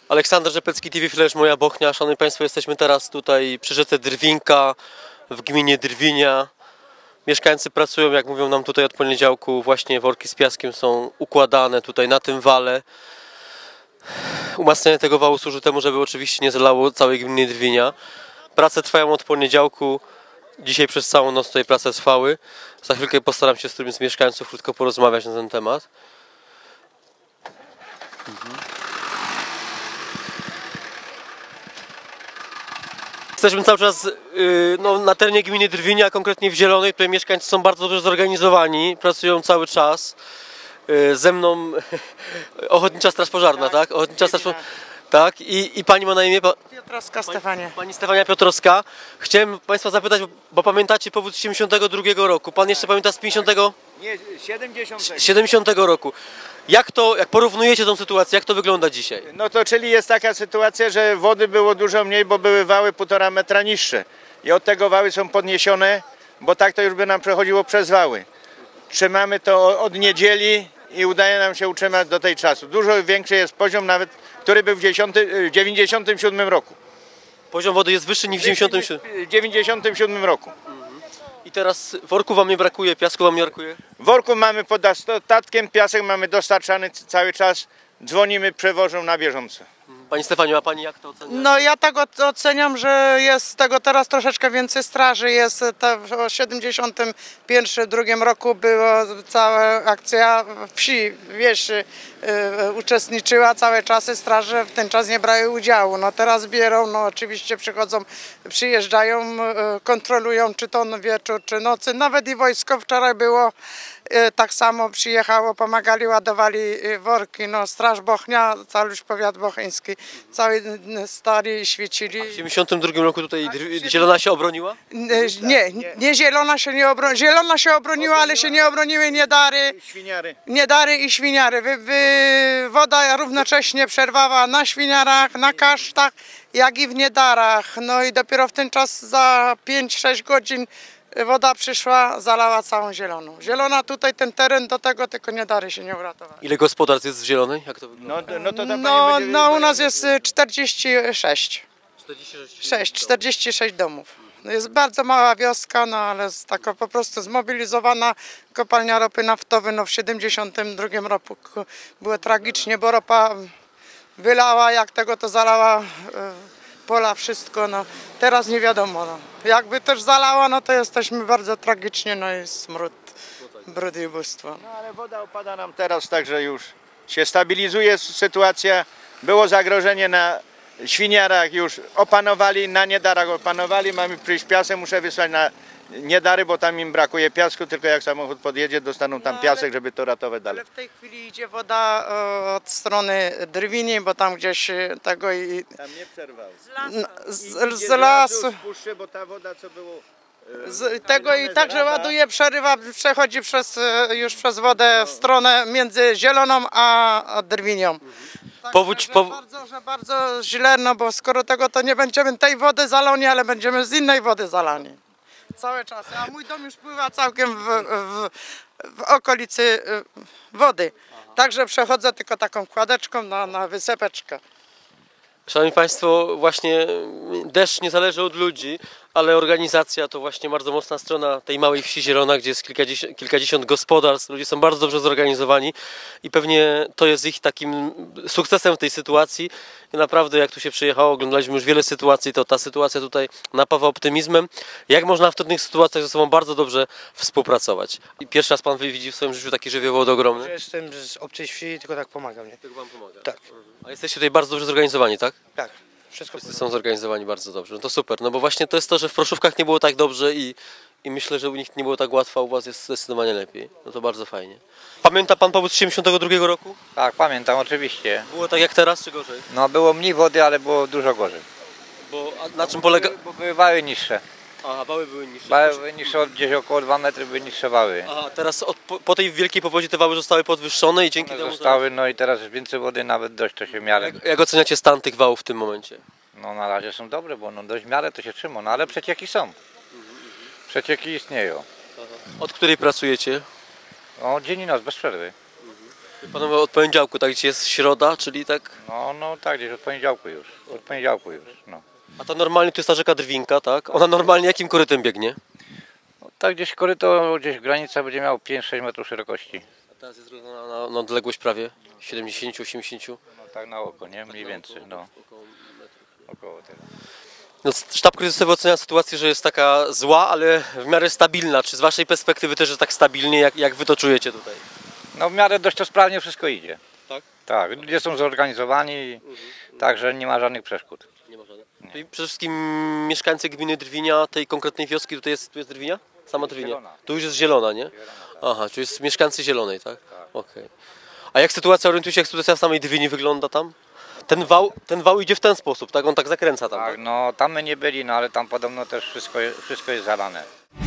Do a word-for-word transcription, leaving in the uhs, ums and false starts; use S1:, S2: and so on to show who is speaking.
S1: Aleksander Rzepecki, T V Flash, Moja Bochnia. Szanowni Państwo, jesteśmy teraz tutaj przy rzece Drwinka w gminie Drwinia. Mieszkańcy pracują, jak mówią nam tutaj od poniedziałku, właśnie worki z piaskiem są układane tutaj na tym wale. Umacnianie tego wału służy temu, żeby oczywiście nie zalało całej gminy Drwinia. Prace trwają od poniedziałku. Dzisiaj przez całą noc tutaj prace trwały. Za chwilkę postaram się z którymś z mieszkańców krótko porozmawiać na ten temat. Mhm. Jesteśmy cały czas yy, no, na terenie gminy Drwinia, konkretnie w Zielonej, tutaj mieszkańcy są bardzo dobrze zorganizowani, pracują cały czas. Yy, ze mną Ochotnicza Straż Pożarna, tak? Ochotnicza Straż Pożarna. Tak, i, i pani ma na imię?
S2: Piotrowska Stefania.
S1: Pani, pani Stefania Piotrowska. Chciałem Państwa zapytać, bo, bo pamiętacie powód z siedemdziesiątego drugiego roku. Pan jeszcze pamięta z pięćdziesiątego?
S3: Nie, siedemdziesiątego.
S1: siedemdziesiątego roku. Jak to, jak porównujecie tą sytuację, jak to wygląda dzisiaj?
S3: No to czyli jest taka sytuacja, że wody było dużo mniej, bo były wały półtora metra niższe. I od tego wały są podniesione, bo tak to już by nam przechodziło przez wały. Trzymamy to od niedzieli i udaje nam się utrzymać do tej czasu. Dużo większy jest poziom nawet, który był w dziewięćdziesiątym siódmym roku.
S1: Poziom wody jest wyższy niż w dziewięćdziesiątym siódmym?
S3: W dziewięćdziesiątym siódmym roku.
S1: I teraz worku wam nie brakuje, piasku wam nie brakuje?
S3: Worku mamy pod dostatkiem, piasek mamy dostarczany cały czas. Dzwonimy, przewożą na bieżąco.
S1: Pani Stefaniu, a pani jak to ocenia?
S2: No ja tak oceniam, że jest tego teraz troszeczkę więcej straży. Jest ta, w siedemdziesiątym drugim roku była cała akcja wsi, wieś yy, uczestniczyła całe czasy, straże w ten czas nie brały udziału. No teraz bierą, no oczywiście przychodzą, przyjeżdżają, yy, kontrolują czy to wieczór, czy nocy. Nawet i wojsko wczoraj było. Tak samo przyjechało, pomagali, ładowali worki, no Straż Bochnia, cały już powiat bocheński, cały stali i świecili.
S1: A w siedemdziesiątym drugim roku tutaj Zielona się obroniła?
S2: Nie, nie Zielona się nie obroniła, Zielona się obroniła, ale się nie obroniły Niedary,
S3: Świniary.
S2: Niedary i Świniary. Wy, wy, woda równocześnie przerwała na Świniarach, na Kasztach, jak i w Niedarach. No i dopiero w ten czas za pięć sześć godzin woda przyszła, zalała całą Zieloną. Zielona tutaj, ten teren do tego, tylko Niedary się nie uratowały.
S1: Ile gospodarstw jest w Zielonej? Jak to wygląda?
S3: No, no, to ta
S2: No,
S3: pani będzie...
S2: no u nas jest czterdzieści sześć.
S1: czterdzieści
S2: sześć, czterdzieści sześć domów. No jest bardzo mała wioska, no ale jest taka po prostu zmobilizowana kopalnia ropy naftowej. No w siedemdziesiątym drugim roku było tragicznie, bo ropa wylała, jak tego to zalała pola, wszystko, no teraz nie wiadomo, no. Jakby też zalała, no to jesteśmy bardzo tragicznie, no i smród, brud i ubóstwo.
S3: No ale woda opada nam teraz, także już się stabilizuje sytuacja. Było zagrożenie na Świniarach, już opanowali, na Niedarach opanowali, mamy przyjść piasek, muszę wysłać na Niedary, bo tam im brakuje piasku, tylko jak samochód podjedzie, dostaną tam
S2: No,
S3: piasek,
S2: ale,
S3: żeby to ratować dalej.
S2: Ale w tej chwili idzie woda o, od strony Drwini, bo tam gdzieś tego i...
S3: Tam nie przerwał.
S2: Z, z, z lasu.
S3: Spuszczę, bo ta woda, co było...
S2: Z tego i także ładuje, przerywa, przechodzi przez, już przez wodę w stronę między Zieloną a Drwinią. Tak,
S1: Powódź,
S2: że,
S1: pow...
S2: bardzo, że bardzo źle, no bo skoro tego to nie będziemy tej wody zalani, ale będziemy z innej wody zalani. Całe czasy, a mój dom już pływa całkiem w, w, w okolicy wody. Także przechodzę tylko taką kładeczką na, na wysepeczkę.
S1: Szanowni Państwo, właśnie deszcz nie zależy od ludzi, ale organizacja to właśnie bardzo mocna strona tej małej wsi Zielona, gdzie jest kilkadziesiąt, kilkadziesiąt gospodarstw, ludzie są bardzo dobrze zorganizowani i pewnie to jest ich takim sukcesem w tej sytuacji. I naprawdę jak tu się przyjechało, oglądaliśmy już wiele sytuacji, to ta sytuacja tutaj napawa optymizmem. Jak można w trudnych sytuacjach ze sobą bardzo dobrze współpracować. I pierwszy raz Pan widzi w swoim życiu taki żywioł ogromny?
S4: Jestem z obcej wsi, tylko tak pomagam, nie?
S1: Tylko Wam pomaga.
S4: Tak.
S1: A jesteście tutaj bardzo dobrze zorganizowani, tak?
S4: Tak. Wszystko
S1: Wszyscy są zorganizowani bardzo dobrze. No to super, no bo właśnie to jest to, że w Proszówkach nie było tak dobrze i, i myślę, że u nich nie było tak łatwo, a u Was jest zdecydowanie lepiej. No to bardzo fajnie. Pamięta Pan powód z siedemdziesiątego drugiego roku?
S5: Tak, pamiętam, oczywiście.
S1: Było tak jak teraz, czy gorzej?
S5: No było mniej wody, ale było dużo gorzej.
S1: Bo a na czym polega...
S5: Bo były wały niższe.
S1: Aha, wały były niższe.
S5: Wały były niższe, od gdzieś około dwa metry były niższe wały.
S1: Aha, teraz od, po, po tej wielkiej powodzi te wały zostały podwyższone i dzięki
S5: One
S1: temu...
S5: zostały, no i teraz jest więcej wody, nawet dość to się w miarę...
S1: Jak, jak oceniacie stan tych wałów w tym momencie?
S5: No na razie są dobre, bo no dość w miarę to się trzyma, no ale przecieki są. Przecieki istnieją.
S1: Aha. Od której pracujecie?
S5: No dzień i noc, bez przerwy.
S1: Panowie od poniedziałku, tak gdzie jest środa, czyli tak...
S5: No, no tak, gdzieś od poniedziałku już. Od poniedziałku już, no.
S1: A to normalnie to jest ta rzeka Drwinka, tak? Ona normalnie jakim korytem biegnie?
S5: no tak gdzieś koryto, gdzieś granica będzie miał pięć sześć metrów szerokości.
S1: A teraz jest na, na, na odległość prawie siedemdziesiąt osiemdziesiąt.
S5: No tak na oko, nie? Mniej więcej, no. Około tego.
S1: No, sztab kryzysowy ocenia sytuację, że jest taka zła, ale w miarę stabilna. Czy z waszej perspektywy też jest tak stabilnie, jak, jak wy to czujecie tutaj?
S5: No w miarę dość to sprawnie wszystko idzie.
S1: Tak?
S5: Tak, ludzie są zorganizowani, także nie ma żadnych przeszkód.
S1: Nie ma żadnych. Czyli przede wszystkim mieszkańcy gminy Drwinia, tej konkretnej wioski, tutaj jest, tu jest Drwinia? Sama Drwinia.
S5: Zielona.
S1: Tu już jest Zielona, nie? Aha, czyli jest mieszkańcy Zielonej, tak? Okej. A jak sytuacja, orientujecie się, jak sytuacja w samej Drwini wygląda tam? Ten wał, ten wał idzie w ten sposób, tak? On tak zakręca tam,
S5: Tak,
S1: tak?
S5: no tam my nie byli, no ale tam podobno też wszystko, je- wszystko jest zalane.